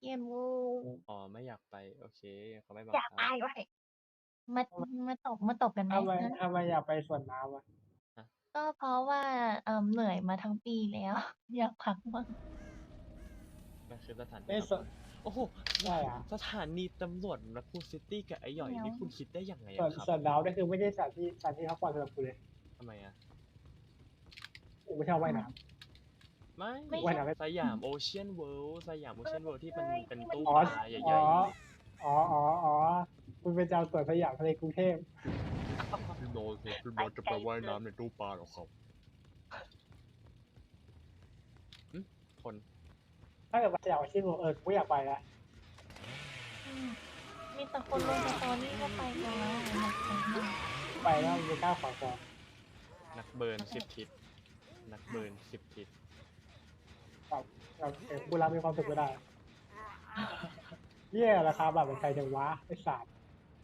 เย็นวูอ๋อไม่อยากไปโอเคเขาไม่บัอยากงคับไปไว้มามาตบกันไหมทำไมฮะทำไมอยากไปสวนน้ำอ่ะฮะก็เพราะว่าเหนื่อยมาทั้งปีแล้วอยากพักบ้างมันคือสถานที่ไม่สวนพักผ่อนโอ้โหได้อะสถานีตำรวจนครซิตี้กับไอ้หย่อยเดี๋ยวนี่คุณคิดได้ยังไงสวนอะครับสวนน้ำนี่คือไม่ใช่สถานที่พักผ่อนสำหรับกูเลยทำไมอะกูไม่ชอบว่ายน้ไม่ไม่ว่ายใช่น้ำไม่สยามโอเชียนเวิลด์สยามโอเชียนเวิลด์ที่มันเป็นที่มันตู้อ๋อปลาใหอ๋อญ่อ๋อคุณเป็นเจ้าสวนสยามทะเลกรุงเทพๆพี่โน้ตครับพี่โน้ตจะไปว่ายน้ำในตู้ปลาหรอครับคนถ้าเกิดว่าสยามอาชีพกูอยากไปแล้วอืมมีแต่คนลงสตอรี่ก็ไปกันแล้วอยากไปมากไปแล้วมันจะกล้าขวางคอนักเบิร์น10 ทิศนักเบิร์น10 ทิศแบบกูรับมีความสุขก็ได้เยี่ยราคาแบบเป็นใครจะวะไอ้สัตว์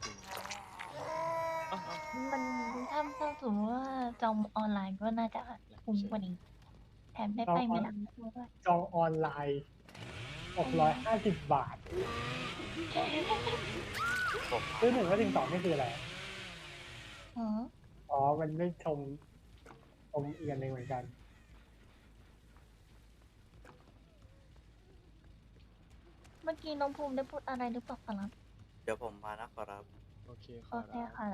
อ้าวมันถ้าสมมติว่าจองออนไลน์ก็น่าจะคุ้มกว่านี้แถมได้จองออนไปเมลันด้วยจองออนไลน์650 บาทซื้อ1 แล้วถึง 2นี่คืออะไรอ๋ออ๋อมันไม่ชมเอียนหนึ่งเหมือนกันเมื่อกี้น้องภูมิได้พูดอะไรหรือเปล่าครับเดี๋ยวผมมานะขอรับโอเคขโอเคอรับค่ะละ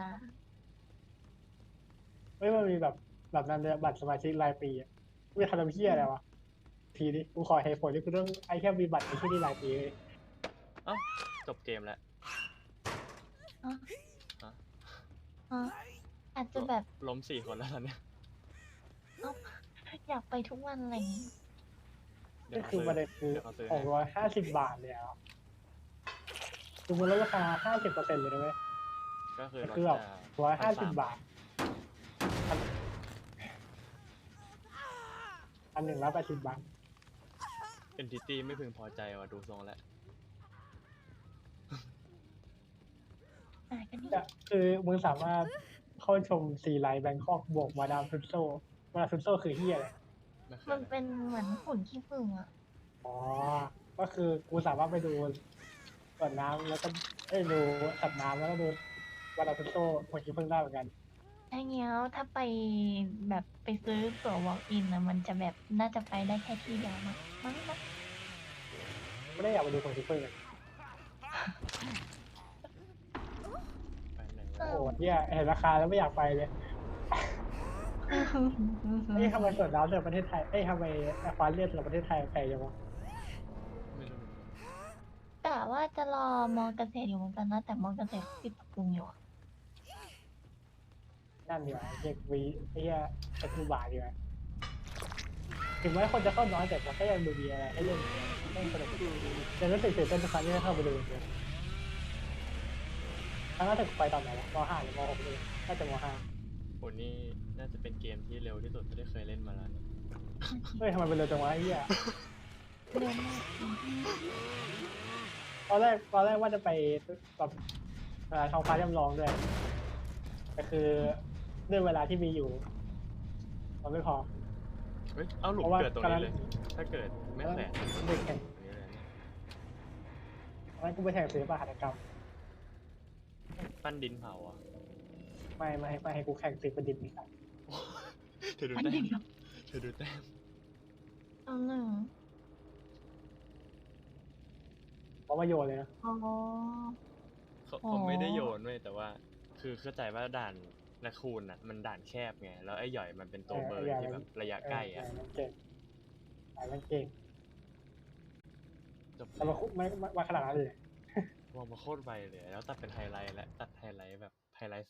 เฮ้ยมันมีแบบนั้นเลยบัตรสมาชิกรายปีอ่ะกูจะทำเพี้ยอะไรวะทีนี้กูขอเหตุผลที่กูต้องไอ้แค่มีบัตรในที่นี่รายปีเลยเอ้าจบเกมแล้วอ๋อฮะอ๋ออาจจะแบบล้ม4 คนแล้วตอนเนี้ยเอ้าอยากไปทุกวันอะไรอย่างงี้เดี๋ยวก็เขาคือซื้อประเด็นคือเดี๋ยวเขาซื้อให้ 650 บาทเลยอ่ะคือมันลดราคา50%เลยนะเว้ยก็คือก็ลดคือแบบจาก 150 บาท180 บาทเอนติตี้ไม่พึงพอใจว่ะดูทรงแล้วอ่ะกันนี่ก็คือมึงสามารถเข้าชมซีไลท์แบงคอกบวกมาดามทุตโซคือเฮียอะไรไม่เคยมันนะเป็นเหมือนหุ่นขี้ผึ้งอ่ะอ๋อ ก็คือกูสามารถไปดูสวนน้ำแล้วก็ดูสัตว์น้ำแล้วก็ดูวาลาทุตโตหัวขี้ผึ้งได้เหมือนกันใช่เงี้ยถ้าไปแบบไปซื้อตั๋ว walk in นะมันจะแบบน่าจะไปได้แค่ที่เดียวมั้งนะไม่ได้อยากไปดูหัวขี้ผึ้งเลยไปไหนเอวะโอ้อโหเนี่ยเห็นราคาแล้วไม่อยากไปเลยทำไมสวนน้ำในประเทศไทยทำไมอควาเรียมในประเทศไทยแพงจังวะไม่รู้กะว่าจะรอมอเกษตรอยู่เหมือนกันนะแต่มอเกษตรปิดปรับปรุงอยู่อะนั่นดีกว่าเด็กวีไอ้คือบ่าดีกว่าถึงแม้คนจะเข้าน้อยแต่มันก็ยังดูมีอะไรให้เล่นให้สนุกแต่รู้สึกตื่นเต้นทุกครั้งที่ได้เข้าไปดูจริงๆครั้งล่าสุดไปตอนไหนวะม.5 หรือม.6เลยน่าจะม.5 โหนี่น่าจะเป็นเกมที่เร็วที่สุดที่เคยเล่นมาแล้วนะเฮ้ยทำไมเป็นเร็วจังวะไอ้เหี้ยเร็วมากตอนแรกว่าจะไปแบบท้องฟ้าจำลองด้วยแต่คือด้วยเวลาที่มีอยู่มันไม่พอเฮ้ยเอาหลุมเพราะว่าเกิดตรงนี้เลย ถ้าเกิดไม่แขวนเด็กแข่งตรงนี้เลยนะตอนนั้นกูไปแข่งศิลปะหัตถกรรมปั้นดินเผาอ่ะไม่ให้กูแข่งศิลปะดิษฐ์อีกครับเธอดูแต้มเธอดูแต้มเอาหนึ่งเพราะว่าโยนเลยนะอ๋อเขาไม่ได้โยนเว้ยแต่ว่า คือเข้าใจว่าด่านนาคูนอ่ะ มันด่านแคบไงแล้วไอ้หย่อยมันเป็นตัวเบิร์นที่แบบระยะใกล้อ่ะมันเก่งมันเก่งจบแต่มันไม่ขนาดนั้นเลยวางมาโคตรไวเลยแล้วตัดเป็นไฮไลท์และตัดไฮไลท์แบบไฮไลท์